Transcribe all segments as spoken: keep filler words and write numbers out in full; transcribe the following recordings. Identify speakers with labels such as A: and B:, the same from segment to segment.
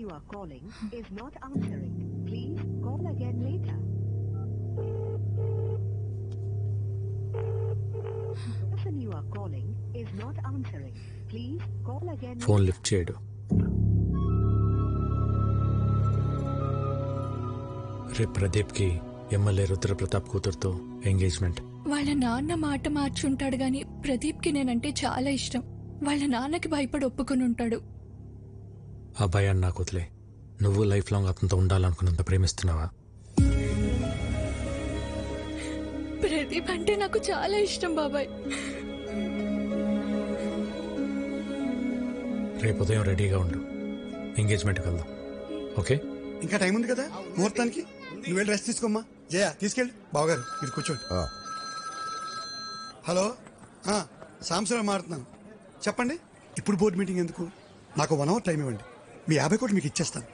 A: you are calling is not answering. Please call again later. The person you are calling is not answering. Please call again later.
B: Phone lift చేయడు. రేపు ప్రదీప్కి MLA Rudra Pratap కూతురుతో engagement.
C: వాళ్ళ నాన్న మాట మార్చుంటాడు గాని ప్రదీప్కి నేనంటే చాలా ఇష్టం. వాళ్ళ నాన్నకి భయపడి ఒప్పుకుని ఉంటాడు.
B: ఆ భయాన్ని నాకు వదిలే. నువ్వు లైఫ్ లాంగ్ అతనితో ఉండాలనుకున్నంత ప్రేమిస్తున్నావా?
C: ప్రదీప్ అంటే నాకు చాలా ఇష్టం బాబాయ్.
B: రేపు ఉదయం రెడీగా ఉండు, ఎంగేజ్మెంట్కి వెళ్దాం. ఓకే?
D: ఇంకా టైం ఉంది కదా ముహూర్తానికి. నువ్వు వెళ్ళి రెస్ట్ తీసుకోమ్మా. జయ తీసుకెళ్ళి. బావగారు మీరు కూర్చోండి. హలో, సాంబశివరావు మారుతున్నాను. చెప్పండి. ఇప్పుడు బోర్డు మీటింగ్ ఎందుకు? నాకు వన్ అవర్ టైం ఇవ్వండి. మీ యాభై కోట్లు మీకు ఇచ్చేస్తాను.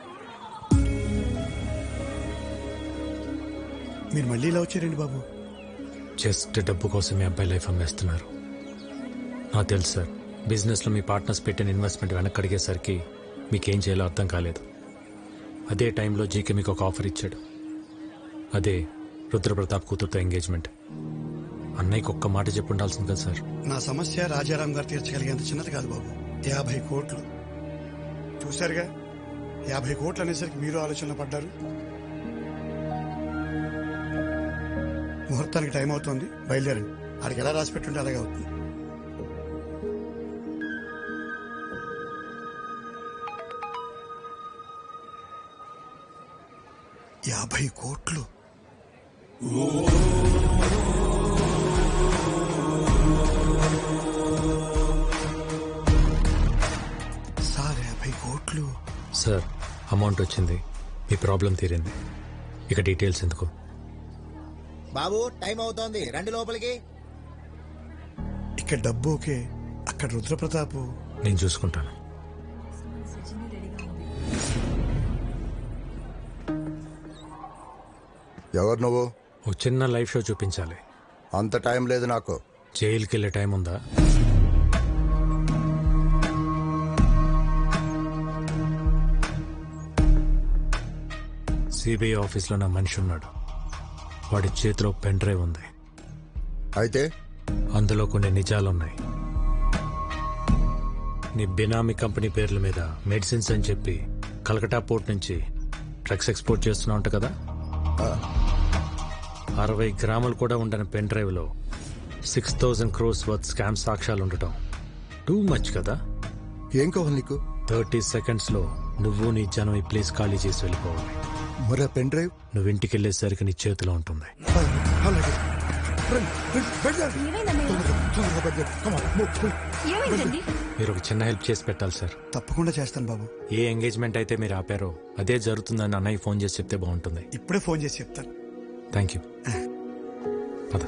D: మీరు మళ్ళీ ఇలా వచ్చారండి బాబు.
B: జస్ట్ డబ్బు కోసం మీ అబ్బాయి లైఫ్ అమ్మేస్తున్నారు. నాకు తెలుసు సార్, బిజినెస్లో మీ పార్ట్నర్స్ పెట్టిన ఇన్వెస్ట్మెంట్ వెనక్కి అడిగేసరికి మీకేం చేయాలో అర్థం కాలేదు. అదే టైంలో జీకే మీకు ఒక ఆఫర్ ఇచ్చాడు. అదే రుద్రప్రతాప్ కూతురుతో ఎంగేజ్మెంట్. అన్నయ్యకి ఒక్క మాట చెప్పి ఉండాల్సింది కదా సార్.
D: నా సమస్య రాజారాం గారు తీర్చగలిగేంత చిన్నది కాదు బాబు. యాభై కోట్లు చూశారుగా. యాభై కోట్లు అనేసరికి మీరు ఆలోచనలో పడ్డారు. ముహూర్తానికి టైం అవుతుంది, బయలుదేరండి. ఆడికి ఎలా రాసి పెట్టుంటే అలాగే అవుతుంది. యాభై కోట్లు సార్. యాభై కోట్లు
B: సార్, అమౌంట్ వచ్చింది, మీ ప్రాబ్లం తీరింది. ఇక డీటెయిల్స్ ఎందుకు?
E: బాబు టైం అవుతోంది, రండి లోపలికి.
D: ఇక్కడ డబ్బు ఓకే, అక్కడ రుద్రప్రతాపు.
B: నేను చూసుకుంటాను.
F: ఎవరు నువ్వు?
B: ఓ చిన్న లైవ్ షో చూపించాలి.
F: అంత టైం లేదు నాకు.
B: జైలుకి వెళ్ళే టైం ఉందా? సిబిఐ ఆఫీస్లో నా మనిషి ఉన్నాడు. వాడి చేతిలో పెన్ డ్రైవ్ ఉంది.
F: అయితే
B: అందులో కొన్ని నిజాలున్నాయి. నీ బినామీ కంపెనీ పేర్ల మీద మెడిసిన్స్ అని చెప్పి కలకటా పోర్ట్ నుంచి డ్రగ్స్ ఎక్స్పోర్ట్ చేస్తున్నా ఉంటా కదా. అరవై గ్రాములు కూడా ఉండని పెన్ డ్రైవ్ లో six thousand crores worth scam సాక్ష్యాలు ఉండటం టూ మచ్ కదా.
F: ఏం కావాలి నీకు?
B: థర్టీ సెకండ్స్ లో నువ్వు నీ జనం ఈ ప్లేస్ ఖాళీ చేసి వెళ్ళిపోవాలి.
F: మరి పెన్ డ్రైవ్
B: నువ్వు ఇంటికి వెళ్ళేసరికి నీ చేతిలో ఉంటుంది. మీరు ఒక చిన్న హెల్ప్ చేసి పెట్టాలి సార్.
D: తప్పకుండా చేస్తాను బాబు.
B: ఏ ఎంగేజ్మెంట్ అయితే మీరు ఆపారో అదే జరుగుతుందని అన్నయ్య ఫోన్ చేసి చెప్తే బాగుంటుంది.
D: ఇప్పుడే ఫోన్ చేసి చెప్తాను.
B: Thank you. పద.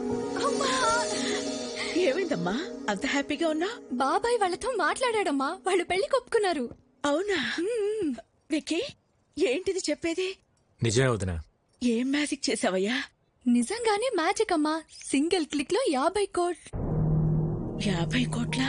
G: ఏమైందమ్మా అంత హ్యాపీగా ఉన్నా?
C: బాబాయ్ వాళ్ళతో మాట్లాడాడమ్మా, వాళ్ళు పెళ్లి ఒప్పుకున్నారు.
G: అవునా? విక్కీ ఏంటిది చెప్పేది?
B: నిజమే వదినా.
G: ఏం మ్యాజిక్ చేసావయ్యా?
C: నిజంగానే మ్యాజిక్ అమ్మా. సింగిల్ క్లిక్ లో యాభై కోట్
G: యాభై కోట్ల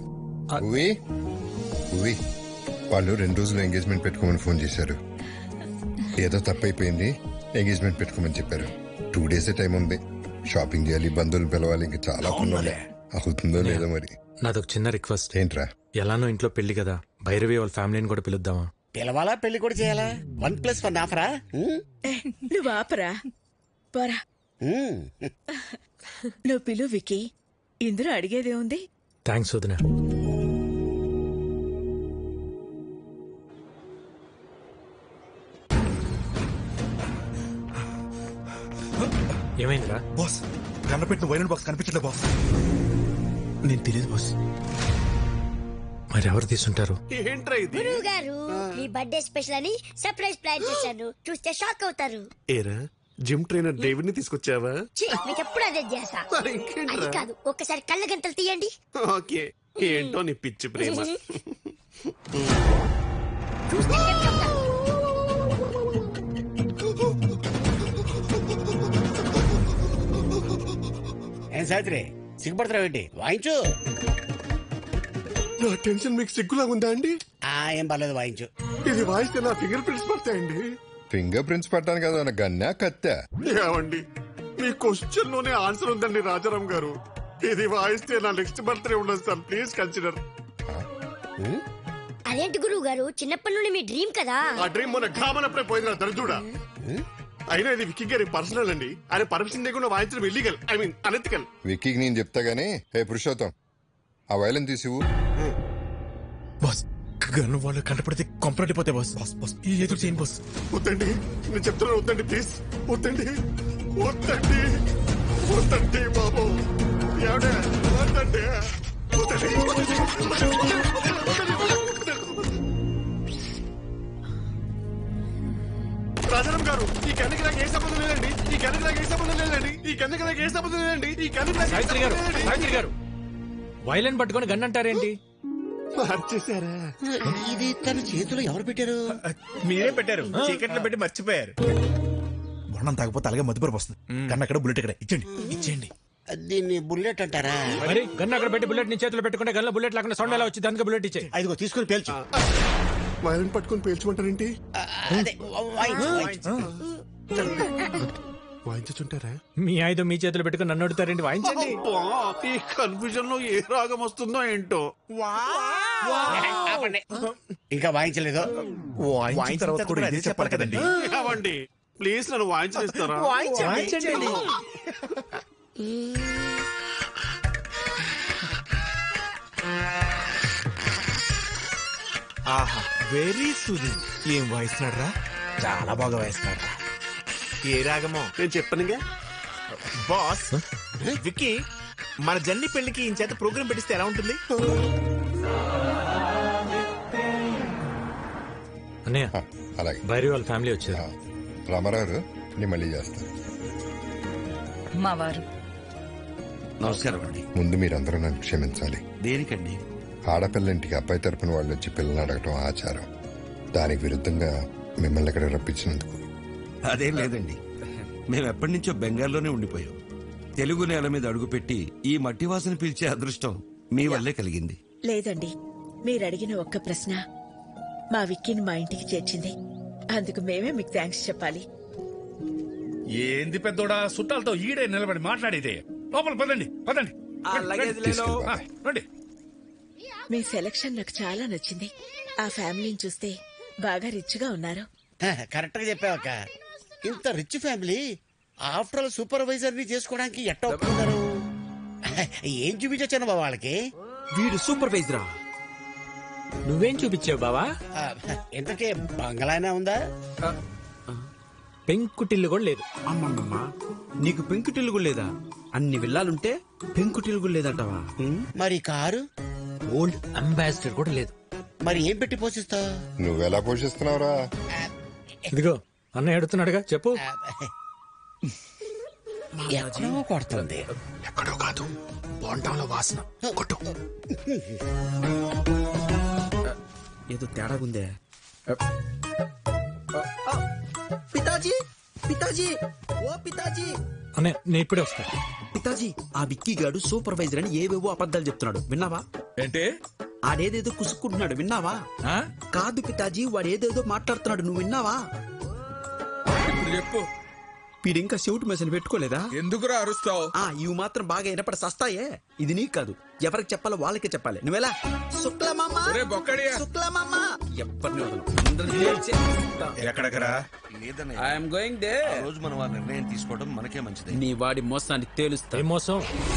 F: వాళ్ళు రెండు రోజులు ఎంగేజ్మెంట్ పెట్టుకోమని ఫోన్ చేశారు. ఏదో తప్పైపోయింది, ఎంగేజ్మెంట్ పెట్టుకోమని చెప్పారు. టూ డేస్ టైం ఉంది. షాపింగ్ చేయాలి, బంధువులు పిలవాలి, ఇంకా చాలా పనులు. అవుతుందో లేదో మరి.
B: నాదొక చిన్న రిక్వెస్ట్.
F: ఏంట్రా?
B: ఎలానో ఇంట్లో పెళ్లి కదా, భైరవి వాళ్ళ ఫ్యామిలీని కూడా పిలుద్దామా?
E: పిలవాలా, పెళ్లి కూడా చేయాలా? వన్ ప్లస్ వన్ ఆఫరా?
G: నువ్వు ఆపరా పోరా. నువ్వు పిలు విక్కీ, ఇందులో అడిగేదే ఉంది.
B: థ్యాంక్స్ వదినా. ఏమైందిరా?
D: బాస్, కన్నపెట్టిన వైరల్ బాక్స్ కనిపించట్లే బాస్. నేను తెలియదు బాస్.
B: మరి ఎవరు తీసుంటారు?
H: గురువు గారు, మీ బర్త్డే స్పెషల్ అని సర్ప్రైజ్ ప్లాన్ చేశాను. చూస్తే షాక్ అవుతారు.
I: ఏరా, జిమ్ ట్రైనర్ డేవిడ్ ని తీసుకొచ్చావా?
H: మీకు ఎప్పుడు అదే చేస్తా. అది కాదు, ఒక్కసారి కళ్ళ గంటలు తీయండి.
I: ఓకే, ఏంటో నీ పిచ్చి ప్రేమ.
H: చూస్తే చెప్తాను.
E: ఏం సావిత్రి సిగ్గుపడతావు ఏంటి? వాయించు.
I: నా టెన్షన్ మీకు సిగ్గులా ఉందా అండి?
E: ఆ
J: ఏం పర్లేదు వాయించు.
I: ఇది వాయిస్తే నా ఫింగర్ ప్రింట్స్ పడతాయండి.
F: ఫింగర్ ప్రింట్స్ పట్టాను కదా నా గన్నా కత్తా.
I: ఏమండి మీ క్వశ్చన్ లోనే ఆన్సర్ ఉందండి రాజారాం గారు. ఇది వాయిస్తే నా నెక్స్ట్ బర్త్డే ఉండదు సార్, ప్లీజ్ కన్సిడర్.
H: అదేంటి గురువు గారు, చిన్నప్పటి నుండి మీ డ్రీమ్ కదా.
I: ఆ డ్రీమ్ మొన్న ఘామనప్పుడే పోయింది దరిద్రుడా. అయినా ఇది విక్కీ గారి పర్సనల్ అండి. ఆయన పర్మిషన్ లేకుండా వాయించడం ఇల్లీగల్, ఐ మీన్ అనెథికల్.
F: విక్కీకి నేను చెప్తా గానీ హే పురుషోత్తం ఆ వైలెన్ తీసివు.
K: బాస్ గన్ను వాళ్ళు కంటపడితే కొంపరటిపోతే బాస్. బాస్ బాస్ ఈ ఎదురు చేయను బాస్.
I: వద్దండి, నేను చెప్తున్నాను వద్దండి, ప్లీజ్ వద్దండి, వద్దండి, వద్దండి బాబు, ఎవడే వద్దండి, రాజారాం గారు ఈ కన్నుకి నాకు ఏ సంబంధం లేదండి, ఈ కన్నుకి నాకు ఏ సంబంధం లేదండి, ఈ కన్నుకి నాకు ఏ సంబంధం లేదండి, ఈ కన్నుకి నాకు ఏ
B: సావిత్రి గారు
I: సంబంధం లేదండి.
B: సావిత్రి గారు వైలెన్ పట్టుకొని గన్ అంటారేంటి?
I: మార్చేశారా?
J: ఇది తన చేతిలో ఎవరు పెట్టారు?
K: మీరే పెట్టారు, చీకట్లో పెట్టి మర్చిపోయారు. బొండం తాగపోతే అలాగే మధుపరపు వస్తుంది. కన్నా అక్కడ బుల్లెట్ ఇక్కడ ఇచ్చండి ఇచ్చేయండి.
J: దీన్ని బుల్లెట్ అంటారా?
B: మరి గన్ అక్కడ పెట్టి బుల్లెట్ ని చేతిలో పెట్టుకుంటే గన్లో బుల్లెట్ లేకుండా సౌండ్ ఎలా వచ్చింది? అందుకే బుల్లెట్ ఇచ్చే.
J: ఐదుగో తీసుకుని పేల్చు.
I: వైలెన్ పట్టుకొని పేల్చమంటారేంటి?
J: అదే వాయించు, వాయించు.
I: వాయించుంటారా?
B: మీ ఆయుధం మీ చేతిలో పెట్టుకుని నన్ను అడుగుతారేంటి? వాయించండి.
I: ఈ కన్ఫ్యూజన్ లో ఏ రాగం వస్తుందో ఏంటో.
J: ఇంకా వాయించలేదు.
K: వాయించిన తర్వాత కూడా ఇదే చెప్పాలి కదండి.
I: అవండి ప్లీజ్ నన్ను వాయించనిస్తారా?
K: వాయించండి. ఆహా వెరీ సూదింగ్. ఏం వాయిస్తున్నాడు రా, చాలా బాగా వాయిస్తున్నాడు. ఏ రాగమో
I: నేను చెప్పనుగా
K: బాస్. విక్కీ మన జన్ని పెళ్లికి ఈ చేత ప్రోగ్రామ్ పెట్టిస్తే ఎలా ఉంటుంది?
B: అన్నయ్య
F: అలాగే
B: భైరి వాళ్ళ ఫ్యామిలీ వచ్చారు.
F: రామారావు నేను మళ్ళీ చేస్తాను.
L: మా వారు
M: నమస్కారం అండి.
F: ముందు మీరందరూ నన్ను క్షమించాలి.
M: దేనికండి?
F: ఆడపిల్లంటికి అబ్బాయి తరపున వాళ్ళు వచ్చి పిల్లల్ని అడగటం ఆచారం. దానికి విరుద్ధంగా మిమ్మల్ని ఇక్కడ రప్పించినందుకు.
M: అదేం లేదండి, మేము ఎప్పటి నుంచో బెంగాల్లోనే ఉండిపోయాం. తెలుగు నేల మీద అడుగుపెట్టి ఈ మట్టి వాసన పీల్చే అదృష్టం మీ వల్లే కలిగింది.
G: లేదండి, మీరు అడిగిన ఒక్క ప్రశ్న మా విక్కీని మా ఇంటికి చేర్చింది. అందుకు మేమే మీకు థ్యాంక్స్ చెప్పాలి.
N: ఏంది పెద్దోడా చుట్టాలతో ఈడే నిలబడి మాట్లాడేదే? లోపల పదండి పదండి. రండి.
G: మీ సెలక్షన్ నాకు చాలా నచ్చింది. ఆ ఫ్యామిలీని చూస్తే బాగా రిచ్ గా ఉన్నారు.
J: కరెక్ట్ గా చెప్పావక్క. ఇంత rich family after all supervisor ని చేసుకోవడానికి ఎట్ట ఒప్పుకున్నారు? ఏం చూపించొచ్చాను బాబా వాళ్ళకి?
M: వీడు సూపర్వైజరా?
B: నువ్వేం చూపించావు బావా?
J: ఇంతకే బంగ్లానే ఉందా?
B: పెంకుటిల్లు కూడా లేదు.
M: అమ్మమ్మమ్మ, నీకు పెంకుటిల్లు కూడా లేదా? అన్ని విల్లాలుంటే పెంకుటిల్లు కూడా లేదంటావా?
J: మరి కారు?
B: ఓల్డ్ అంబాసిడర్ కూడా లేదు.
J: మరి ఏం పెట్టి పోషిస్తావు?
F: నువ్వెలా పోషిస్తున్నావురా?
B: ఇదిగో అన్నయ్య అడుగుతున్నాడుగా, చెప్పు.
J: ఎక్కడో కొడుతుంది.
K: ఎక్కడో కాదు, బోండంలో వాసన. కొట్టు.
M: ఏదో తేడాగుందే. పితాజీ, పితాజీ, ఓ పితాజీ.
B: అన్నయ్య నేను ఇప్పుడే వస్తా.
M: పితాజీ, ఆ విక్కీ గాడు సూపర్వైజర్ అని ఏవేవో అబద్ధాలు చెప్తున్నాడు, విన్నావా?
N: ఏంటి?
M: ఆడేదేదో కుసుక్కుంటున్నాడు, విన్నావా? కాదు పితాజీ, వాడు ఏదేదో మాట్లాడుతున్నాడు, నువ్వు విన్నావా?
N: ఇప్పుడు చెప్పు.
M: వీడింకా సెవుటు మెషిన్ పెట్టుకోలేదా?
N: ఎందుకురా అరుస్తావు?
M: ఆ ఇవి మాత్రం బాగా వినపడి సస్తాయే. ఇది నీకు కాదు, ఎవరికి చెప్పాలో వాళ్ళకే చెప్పాలి. నువ్వెలా? శుక్లమామా, శుక్లమామా, ఎవరిని
N: ఎక్కడెక్కరా?
M: I'm going they.
O: రోజు మనం ఆ నిర్ణయం తీసుకోవడం మనకే మంచిది.
M: నీ వాడి మోసాన్ని తేలుస్తా.
B: ఏ మోసం?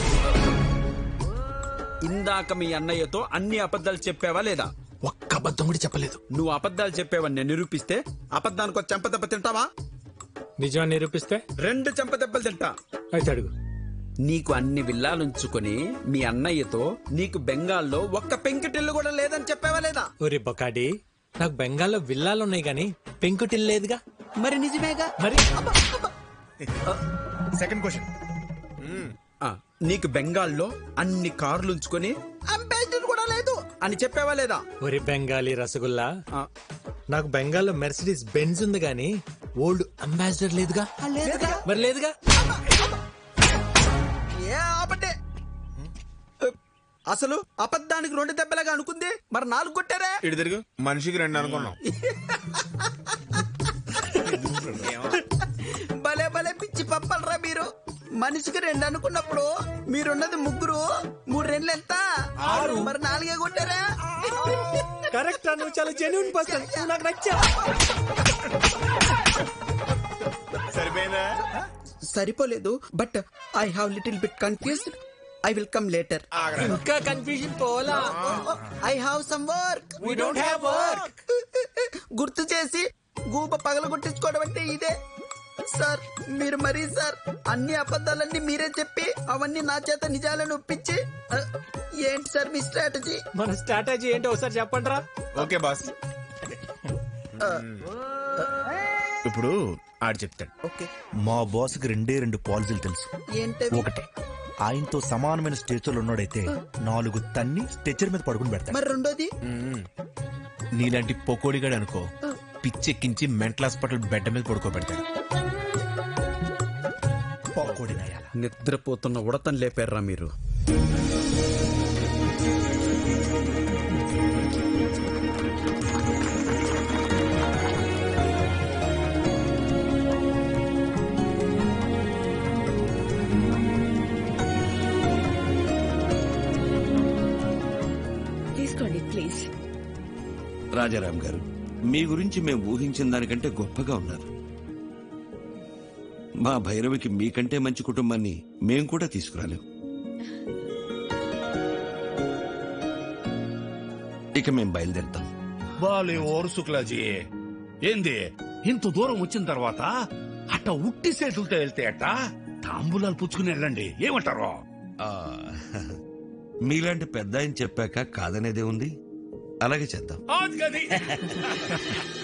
M: ఇందాక మీ అన్నయ్యతో అన్ని అబద్ధాలు చెప్పావా లేదా?
K: ఒక్క అబద్ధం కూడా చెప్పలేదు.
M: నువ్వు అబద్ధాలు చెప్పావని నేను నిరూపిస్తే అబద్ధానికి ఒక చెంపదెబ్బ తింటావా?
B: నిజాన్ని నిరూపిస్తే
M: రెండు చెంపదెబ్బలు తింటా.
B: అయితే అడుగు.
M: నీకు అన్ని విల్లాలుంచుకొని మీ అన్నయ్యతో నీకు బెంగాల్లో ఒక్క పెంకుటిల్లు కూడా లేదని చెప్పావా లేదా?
B: ఒరే బొకాడి, నాకు బెంగాల్లో విల్లాలు ఉన్నాయి గానీ పెంకుటిల్లు లేదుగా.
M: మరి నిజమేగా.
B: మరి
K: సెకండ్ క్వశ్చన్,
M: నీకు బెంగాల్లో అన్ని కార్లు ఉంచుకొని అంబాసిడర్ కూడా లేదు అని చెప్పావా లేదా?
B: ఒరే బెంగాలీ రసగుల్లా, నాకు బెంగాల్లో మెర్సిడీస్ బెంజ్ ఉంది గానీ ఓల్డ్ అంబాసిడర్ లేదుగా. మరి లేదుగా.
P: అసలు అబద్ధానికి రెండు దెబ్బలాగా అనుకుంది, మరి నాలుగు కొట్టారా?
K: ఇటు తిరుగు, మనిషికి రెండు అనుకున్నాం.
P: భలే భలే పిచ్చి పప్పలరా మీరు. మనిషికి రెండు అనుకున్నప్పుడు మీరున్నది ముగ్గురు, మూడు రెండు ఎంత? ఆరు. మరి నాలుగే కొట్టారా?
B: కరెక్ట్ అను, చాలా జెన్యూన్ పర్సన్, నాకు నచ్చా.
K: సరిపోయిందా?
P: సరిపోలేదు, but I have little bit confused. I will come later.
B: ఇంకా కన్ఫ్యూజన్ పోలా.
P: I have some work.
B: We don't have work.
P: గుర్తు చేసి గూప పగల కొట్టించుకోవడం అంటే ఇదే సార్. మీరు మరీ సార్ అన్ని అబద్ధాలన్నీ మీరే చెప్పి అవన్నీ నా చేత నిజాలను ఒప్పించి ఆ, ఏంటి సార్ మీ స్ట్రాటజీ?
B: మన స్ట్రాటజీ ఏంటో ఒకసారి చెప్పండి రా.
K: ఓకే బాస్, ఇప్పుడు ఆడు చెప్తాడు.
P: ఓకే.
K: మా బాస్ కి రెండే రెండు పాలసీలు తెలుసు.
P: ఏంటవి?
K: ఒకటే, ఆయనతో సమానమైన స్టేచర్ ఉన్నాడైతే నాలుగు తన్ని స్టేచర్ మీద పడుకుని పెడతాడు.
P: మరి రెండోది?
K: నీలాంటి పొకోడిగాడు అనుకో, పిచ్చెక్కించి మెంటల్ హాస్పిటల్ బెడ్ మీద పడుకోబెడతాడు. పొకోడి నయాల.
P: నిద్రపోతున్న ఉడతను లేపారా మీరు?
G: తీసుకోండి ప్లీజ్.
M: రాజారాం గారు, మీ గురించి మేము ఊహించిన దానికంటే గొప్పగా ఉన్నారు. మా భైరవికి మీకంటే మంచి కుటుంబాన్ని మేం కూడా తీసుకురాలేం. ఇక మేం బయలుదేరుతాం.
N: బాలే ఓరు శుక్లాజీ, ఏంది ఇంత దూరం వచ్చిన తర్వాత అట్ట ఉట్టి చేతులతో వెళ్తే అట్ట తాంబూలాలు పుచ్చుకుని వెళ్ళండి, ఏమంటారు?
M: ఆ, మీలాంటి పెద్ద ఆయన చెప్పాక కాదనేదే ఉంది. అలాగే చేద్దాం.
N: అది గది.